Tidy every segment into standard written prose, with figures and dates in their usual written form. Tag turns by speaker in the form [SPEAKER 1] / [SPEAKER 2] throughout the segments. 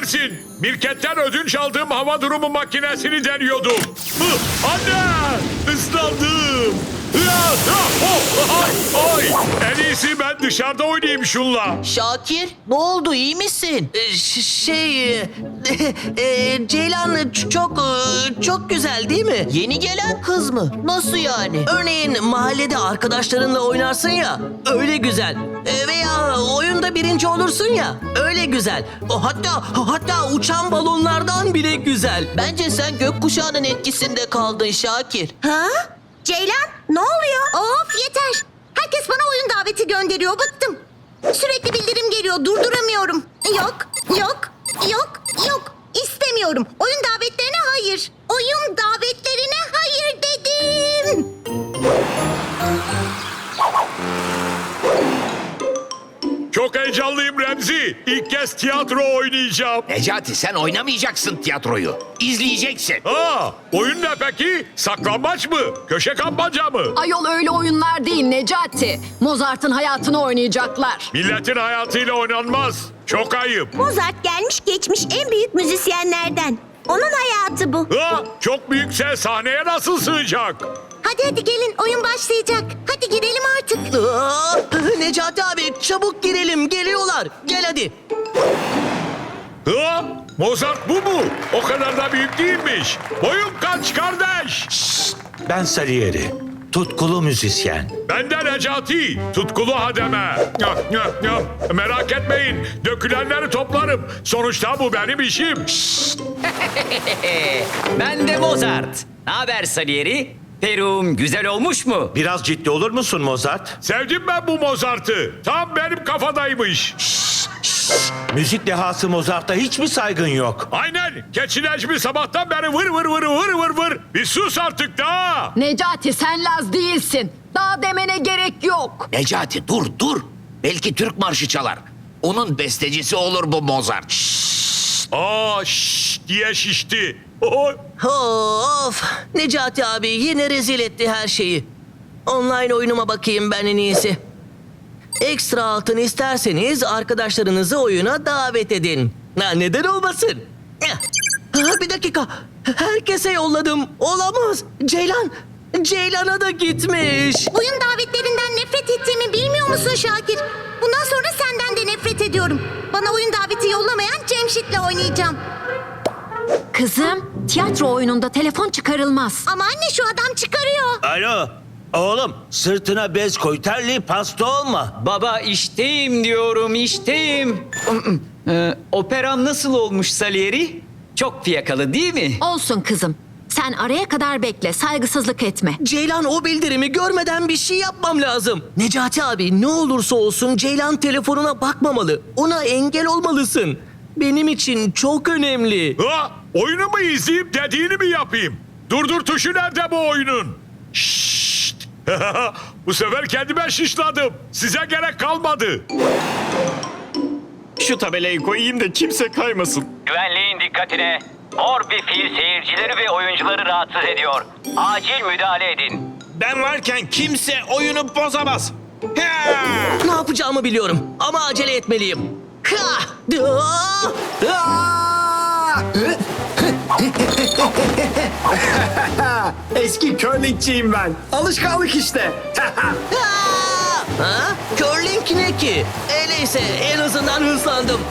[SPEAKER 1] affedersin. Mirket'ten ödünç aldığım hava durumu makinesini deniyordum. Anne! Islandım. Ay! En iyisi ben dışarıda oynayayım şunla.
[SPEAKER 2] Şakir, ne oldu, iyi misin? Ceylan çok güzel değil mi? Yeni gelen kız mı? Nasıl yani? Örneğin mahallede arkadaşlarınla oynarsın ya, öyle güzel. Veya oyunda birinci olursun ya, öyle güzel. Hatta uçan balonlardan bile güzel. Bence sen gökkuşağının etkisinde kaldın Şakir.
[SPEAKER 3] Ha? Ceylan, ne oluyor? Of yeter. Herkes bana oyun daveti gönderiyor. Bıktım. Sürekli bildirim geliyor. Durduramıyorum. Yok. İstemiyorum. Oyun davetlerine hayır. Oyun davetlerine hayır dedim.
[SPEAKER 1] Çok heyecanlıyım Remzi. İlk kez tiyatro oynayacağım.
[SPEAKER 4] Necati sen oynamayacaksın tiyatroyu. İzleyeceksin.
[SPEAKER 1] Oyun ne peki? Saklambaç mı? Köşe kapmaca mı?
[SPEAKER 5] Ayol öyle oyunlar değil Necati. Mozart'ın hayatını oynayacaklar.
[SPEAKER 1] Milletin hayatıyla oynanmaz. Çok ayıp.
[SPEAKER 3] Mozart gelmiş geçmiş en büyük müzisyenlerden. Onun hayatı bu.
[SPEAKER 1] Çok büyükse sahneye nasıl sığacak?
[SPEAKER 3] Hadi gelin oyun başlayacak. Hadi girelim artık.
[SPEAKER 2] Necati abi çabuk girelim, geliyorlar. Gel hadi.
[SPEAKER 1] Mozart bu mu? O kadar da büyük değilmiş. Boyun kaç kardeş?
[SPEAKER 6] Ben Salieri, tutkulu müzisyen.
[SPEAKER 1] Ben de Necati, tutkulu hademe. Merak etmeyin, dökülenleri toplarım. Sonuçta bu benim işim.
[SPEAKER 7] Ben de Mozart. Ne haber Salieri? Perum güzel olmuş mu?
[SPEAKER 6] Biraz ciddi olur musun Mozart?
[SPEAKER 1] Sevdim ben bu Mozart'ı. Tam benim kafadaymış.
[SPEAKER 6] Müzik dehası Mozart'a hiç mi saygın yok?
[SPEAKER 1] Aynen, keçi Necmi sabahtan beri vır. Bir sus artık da.
[SPEAKER 5] Necati sen Laz değilsin. Daha demene gerek yok.
[SPEAKER 4] Necati dur. Belki Türk marşı çalar. Onun bestecisi olur bu Mozart.
[SPEAKER 1] Şşş diye şişti. Oy.
[SPEAKER 2] Of! Necati abi yine rezil etti her şeyi. Online oyunuma bakayım ben en iyisi. Ekstra altın isterseniz arkadaşlarınızı oyuna davet edin. Neden olmasın? Bir dakika. Herkese yolladım. Olamaz. Ceylan'a da gitmiş.
[SPEAKER 3] Oyun davetlerinden nefret ettiğimi bilmiyor musun Şakir? Bundan sonra senden de nefret ediyorum. Bana oyun daveti yollamayan Cemşit'le oynayacağım.
[SPEAKER 5] Kızım, tiyatro oyununda telefon çıkarılmaz.
[SPEAKER 3] Ama anne şu adam çıkarıyor.
[SPEAKER 6] Alo, oğlum sırtına bez koy, terli pasta olma.
[SPEAKER 7] Baba işteyim diyorum işteyim. Operam nasıl olmuş Salieri? Çok fiyakalı değil mi?
[SPEAKER 5] Olsun kızım. Sen araya kadar bekle, saygısızlık etme.
[SPEAKER 2] Ceylan o bildirimi görmeden bir şey yapmam lazım. Necati abi ne olursa olsun Ceylan telefonuna bakmamalı. Ona engel olmalısın. Benim için çok önemli.
[SPEAKER 1] Oyunu mu izleyip dediğini mi yapayım? Durdur tuşu nerede bu oyunun? Şşşt. Bu sefer kendime şişladım. Size gerek kalmadı.
[SPEAKER 8] Şu tabelayı koyayım da kimse kaymasın.
[SPEAKER 9] Güvenliğin dikkatine. Mor bir fil seyircileri ve oyuncuları rahatsız ediyor. Acil müdahale edin.
[SPEAKER 8] Ben varken kimse oyunu bozamaz.
[SPEAKER 2] Ne yapacağımı biliyorum ama acele etmeliyim.
[SPEAKER 8] Eski curlingçiyim ben. Alışkanlık işte.
[SPEAKER 2] Curling ne ki? Neyse en azından hızlandım.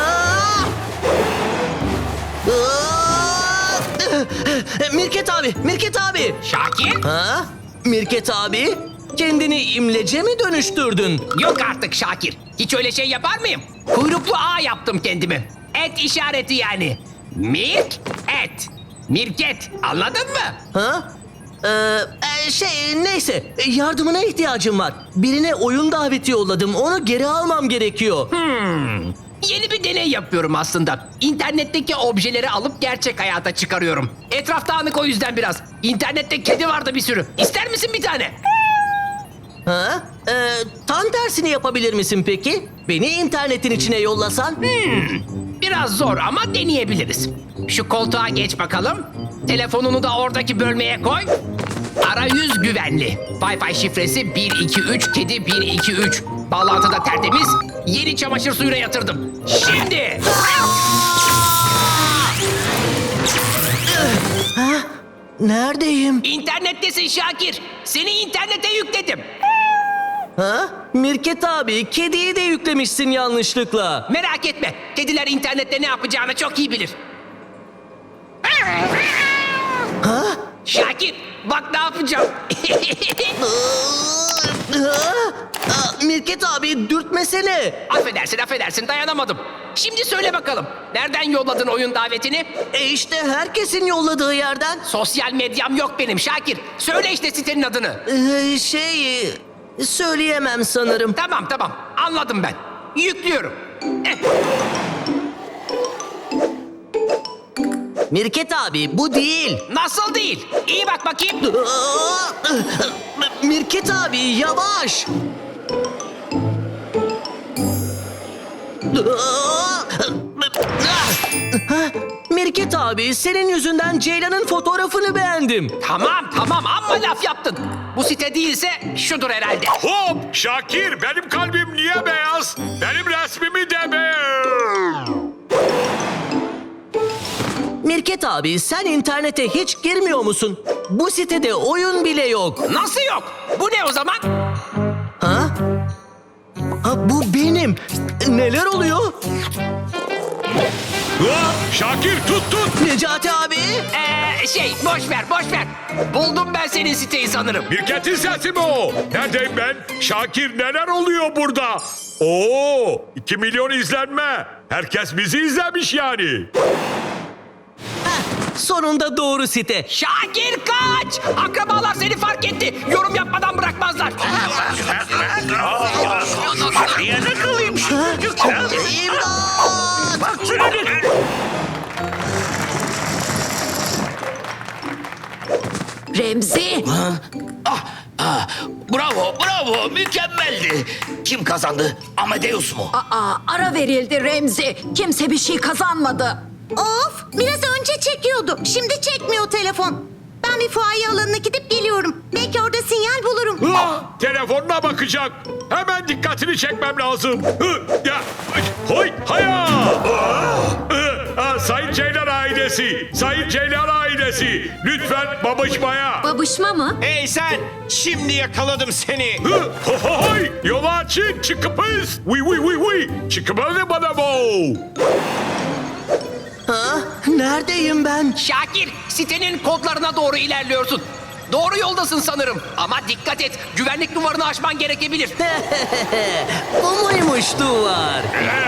[SPEAKER 2] Mirket abi.
[SPEAKER 4] Şakir?
[SPEAKER 2] Mirket abi, kendini imlece mi dönüştürdün?
[SPEAKER 4] Yok artık Şakir. Hiç öyle şey yapar mıyım? Kuyruklu ağ yaptım kendimi. Et işareti yani. Et. Mirket. Anladın mı?
[SPEAKER 2] Neyse yardımına ihtiyacım var. Birine oyun daveti yolladım, onu geri almam gerekiyor.
[SPEAKER 4] Yeni bir deney yapıyorum aslında. İnternetteki objeleri alıp gerçek hayata çıkarıyorum. Etraf dağınık o yüzden biraz. İnternette kedi vardı bir sürü. İster misin bir tane?
[SPEAKER 2] Tam tersini yapabilir misin peki? Beni internetin içine yollasan?
[SPEAKER 4] Biraz zor ama deneyebiliriz. Şu koltuğa geç bakalım. Telefonunu da oradaki bölmeye koy. Arayüz güvenli. Wi-Fi şifresi 123 kedi 123. Bağlantı da tertemiz. Yeni çamaşır suyuna yatırdım. Şimdi...
[SPEAKER 2] Neredeyim?
[SPEAKER 4] İnternettesin Şakir. Seni internete yükledim.
[SPEAKER 2] Ha? Mirket abi, kediyi de yüklemişsin yanlışlıkla.
[SPEAKER 4] Merak etme. Kediler internette ne yapacağını çok iyi bilir.
[SPEAKER 2] Ha?
[SPEAKER 4] Şakir bak ne yapacağım.
[SPEAKER 2] Mirket abi, dürtmesene.
[SPEAKER 4] affedersin dayanamadım. Şimdi söyle bakalım. Nereden yolladın oyun davetini?
[SPEAKER 2] İşte herkesin yolladığı yerden.
[SPEAKER 4] Sosyal medyam yok benim Şakir. Söyle işte sitenin adını.
[SPEAKER 2] Söyleyemem sanırım.
[SPEAKER 4] Tamam anladım ben. Yüklüyorum.
[SPEAKER 2] Mirket abi, bu değil.
[SPEAKER 4] Nasıl değil? İyi bak bakayım.
[SPEAKER 2] Mirket abi, yavaş. Mirket abi, senin yüzünden Ceylan'ın fotoğrafını beğendim.
[SPEAKER 4] Tamam amma laf yaptın. Bu site değilse şudur herhalde.
[SPEAKER 1] Hop Şakir benim kalbim niye beyaz? Benim resmimi de beğen.
[SPEAKER 2] Mirket abi, sen internete hiç girmiyor musun? Bu sitede oyun bile yok.
[SPEAKER 4] Nasıl yok? Bu ne o zaman?
[SPEAKER 2] Ha? Ha, bu benim. Neler oluyor?
[SPEAKER 1] Ha, Şakir tut.
[SPEAKER 2] Necati abi.
[SPEAKER 4] Boş ver. Buldum ben senin siteyi sanırım.
[SPEAKER 1] Mirket'in sesi mi o? Neredeyim ben? Şakir neler oluyor burada? Oo, 2 milyon izlenme. Herkes bizi izlemiş yani.
[SPEAKER 2] Sonunda doğru site.
[SPEAKER 4] Şakir kaç! Akrabalar seni fark etti. Yorum yapmadan bırakmazlar.
[SPEAKER 6] Niye kalayım şu çocuk ya?
[SPEAKER 2] İmdat!
[SPEAKER 6] Bak şuna.
[SPEAKER 5] Remzi,
[SPEAKER 6] Bravo, mükemmeldi. Kim kazandı? Amadeus mu?
[SPEAKER 5] ara verildi Remzi. Kimse bir şey kazanmadı.
[SPEAKER 3] Of, biraz önce çekiyordu. Şimdi çekmiyor telefon. Ben bir fuaye alanına gidip geliyorum. Belki orada sinyal bulurum.
[SPEAKER 1] Ha, telefonuna bakacak. Hemen dikkatini çekmem lazım. Ya, hoy, haya. Sayın Ceylan ailesi. Lütfen babışmaya.
[SPEAKER 5] Babışma mı?
[SPEAKER 8] Hey sen! Şimdi yakaladım seni.
[SPEAKER 1] Hoy, yolu açın, çıkıpız. Oui. Çıkıpız bana bu.
[SPEAKER 2] Ha? Neredeyim ben?
[SPEAKER 4] Şakir, sitenin kodlarına doğru ilerliyorsun. Doğru yoldasın sanırım. Ama dikkat et, güvenlik duvarını aşman gerekebilir.
[SPEAKER 2] Bu muymuş duvar?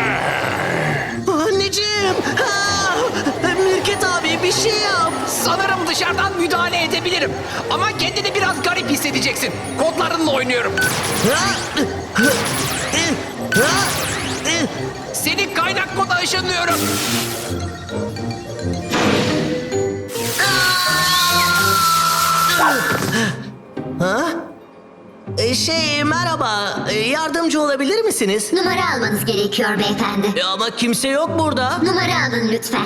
[SPEAKER 2] Anneciğim! Mirket abi, bir şey yap.
[SPEAKER 4] Sanırım dışarıdan müdahale edebilirim. Ama kendini biraz garip hissedeceksin. Kodlarınla oynuyorum. Seni kaynak koda ışınlıyorum.
[SPEAKER 2] Merhaba. Yardımcı olabilir misiniz?
[SPEAKER 10] Numara almanız gerekiyor beyefendi.
[SPEAKER 2] Ama kimse yok burada.
[SPEAKER 10] Numara alın lütfen.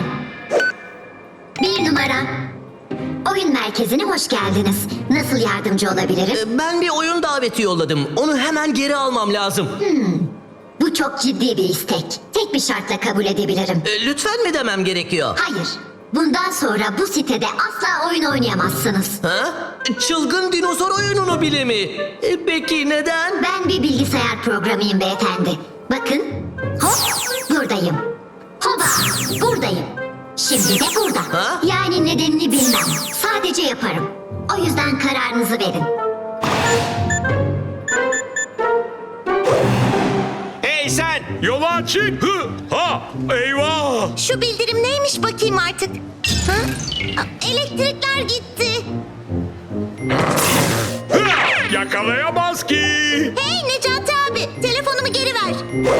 [SPEAKER 10] 1 numara. Oyun merkezine hoş geldiniz. Nasıl yardımcı olabilirim?
[SPEAKER 2] Ben bir oyun daveti yolladım. Onu hemen geri almam lazım.
[SPEAKER 10] Bu çok ciddi bir istek. Tek bir şartla kabul edebilirim.
[SPEAKER 2] Lütfen mi demem gerekiyor?
[SPEAKER 10] Hayır. Bundan sonra bu sitede asla oyun oynayamazsınız.
[SPEAKER 2] Ha? Çılgın dinozor oyununu bile mi? Peki neden?
[SPEAKER 10] Ben bir bilgisayar programıyım beyefendi. Bakın. Hop buradayım. Hoba buradayım. Şimdi de burada.
[SPEAKER 2] Ha?
[SPEAKER 10] Yani nedenini bilmem. Sadece yaparım. O yüzden kararınızı verin.
[SPEAKER 8] Hey sen!
[SPEAKER 1] Yolu açın. Eyvah.
[SPEAKER 3] Şu bildirim neymiş bakayım artık. Ha? Elektrikler gitti.
[SPEAKER 1] Yakalayamaz ki.
[SPEAKER 3] Hey Necati abi, telefonumu geri ver.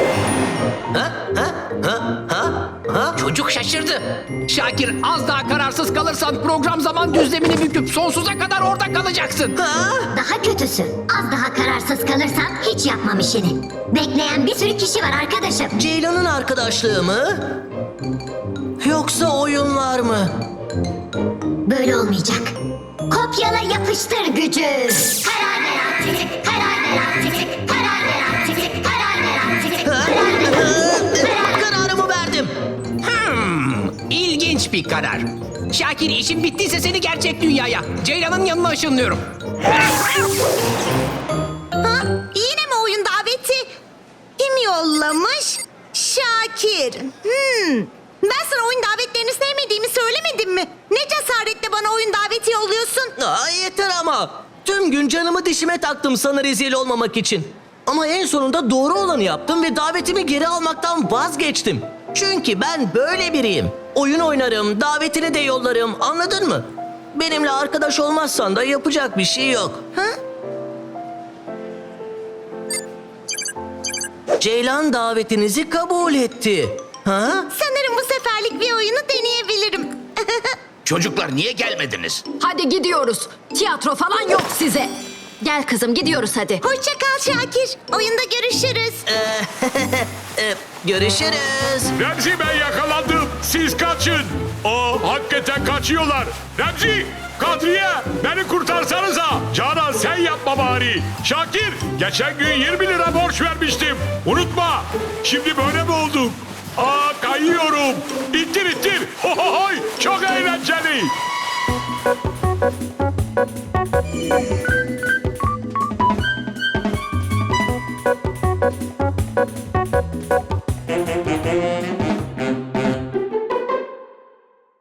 [SPEAKER 4] Çocuk şaşırdı. Şakir, az daha kararsız kalırsan program zaman düzlemini büküp sonsuza kadar orada kalacaksın.
[SPEAKER 10] Daha kötüsü. Az daha kararsız kalırsan hiç yapmam işini. Bekleyen bir sürü kişi var arkadaşım.
[SPEAKER 2] Ceylan'ın arkadaşlığı mı? Yoksa oyunlar mı?
[SPEAKER 10] Böyle olmayacak. Kopyala yapıştır gücü. Karar ver artık. Karar ver artık. Karar ver artık. Karar ver artık. Karar ver artık.
[SPEAKER 2] Kararımı verdim.
[SPEAKER 4] İlginç bir karar. Şakir işin bittiyse seni gerçek dünyaya, Ceylan'ın yanına ışınlıyorum.
[SPEAKER 3] Ha? Yine mi oyun daveti? Kim yollamış? Şakir. Ben sana oyun davetlerini sevmediğimi söylemedim mi? Ne cesaretle bana oyun daveti yolluyorsun?
[SPEAKER 2] Aa, yeter ama. Tüm gün canımı dişime taktım sana rezil olmamak için. Ama en sonunda doğru olanı yaptım ve davetimi geri almaktan vazgeçtim. Çünkü ben böyle biriyim. Oyun oynarım, davetini de yollarım, anladın mı? Benimle arkadaş olmazsan da yapacak bir şey yok.
[SPEAKER 3] Ha?
[SPEAKER 2] Ceylan davetinizi kabul etti. Ha?
[SPEAKER 3] Sanırım bu seferlik bir oyunu deneyebilirim.
[SPEAKER 8] Çocuklar niye gelmediniz?
[SPEAKER 5] Hadi gidiyoruz. Tiyatro falan yok size.
[SPEAKER 10] Gel kızım gidiyoruz hadi.
[SPEAKER 3] Hoşça kal Şakir. Oyunda görüşürüz.
[SPEAKER 2] Görüşürüz.
[SPEAKER 1] Remzi ben yakalandım. Siz kaçın. Hakikaten kaçıyorlar. Remzi, Kadriye beni kurtarsanıza. Canan sen yapma bari. Şakir geçen gün 20 lira borç vermiştim. Unutma. Şimdi böyle mi olduk? Kayıyorum. İttir ittir. Hohohoy. Çok eğlenceli.